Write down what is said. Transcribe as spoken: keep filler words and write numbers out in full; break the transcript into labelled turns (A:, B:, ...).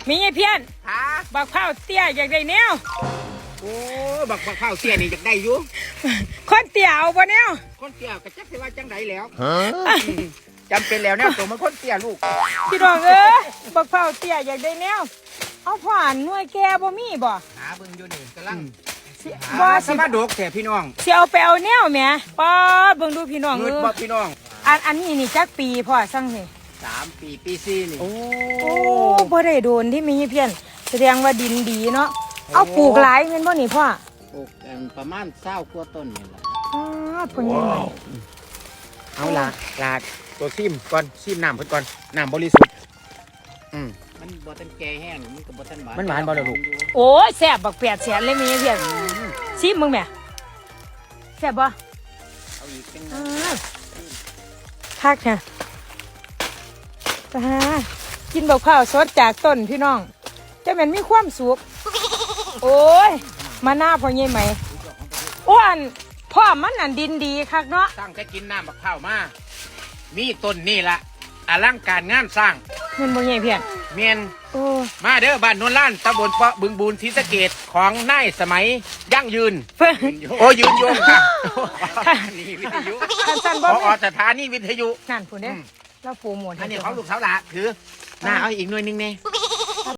A: มีไอ้เพี้ยน
B: ฮะ
A: บักเผาเตี้ยอยากได้แนว
B: โอ้บักบักข้าวเสียนี่อยากได้อยู่
A: คนเตี้ยเอาบ่แนว
B: คนเตี้ยก็จักสิว่าจังไดแล้วจำเป็นแล้วแนวตัวมันคนเตี้ยลูก
A: พี่น้องเอ้ยบักเผาเตี้ยอยากได้แนวเอาผ่านหน่วยแก่บ่มีบ่
B: หาเบิ่งอยู่นี่กำลัง
A: สิ
B: บ่
A: บ่
B: ส
A: สิ
B: มาดกแท้พี่น้อง
A: สิเอาไปเอาแนวแหมป๊อดเบิ่งดูพี่น้อง
B: เงิ
A: เอน อ
B: บ่พี่น้อง
A: อันอันนี้นี่จักปีพ่อสั่งสิ
B: สามปีปีสี่นี่โอ้
A: โอ้บ่ได้โดนที่มีเพี้ยนแสดงว่าดินดีเนาะเอาปลูกหลายแม่นบ่นี่พ่อ
C: ปลูกกันประมาณเศร้ากว่าต้นนี่แหละ
A: อ๋อพ่อใหญ่ใหม่
B: เอาล่ะลาดตัวซิมก่อนซิมน้ำเพิ่นก่อนน้ำบริสุทธิ์อืม
C: มันบ่ทันแก่แห้งมันก็บ่ทันหวาน
B: มันหวานบ่ล่ะลูก
A: โอ้ยแซ่บบักแปดแสนเลยมีเพี้ยนชิมมึงแหม่แซ่บบ่
C: เอาอีกจัง
A: อ่าคักเนี่ยตากินบักข้าวสดจากต้นพี่น้องจะเหม็นมีความสุขโอ้ยมาหน้าพ่อใหญ่ไหมอ้วนพ่อมันนั่นดินดีคักเนาะ
B: ตั้งแต่กินน้ำบักข้าวมามีต้นนี่ละอลังการงานสร้าง
A: เงินพ่อใหญ่เพี้ยน
B: เมียน
A: โอ้
B: มาเด้อบ้านโนนล้านตำบลเปาะบึงบูนศรีสะเกษของนายสมัยยั่งยืน
A: เพิ่น
B: โอ้ยืนยงค่ะนี่วิทยุ
A: คันสัน
B: พ
A: บ่
B: อ
A: แม่น
B: สถานีวิทยุ
A: นั่นผู้เด้
B: อืม
A: เราโปรโมท
B: อันนี้
A: ให้
B: ของลูกสาวหลาถือหน้าเอาอีกหน่วยหนึงเนี่ย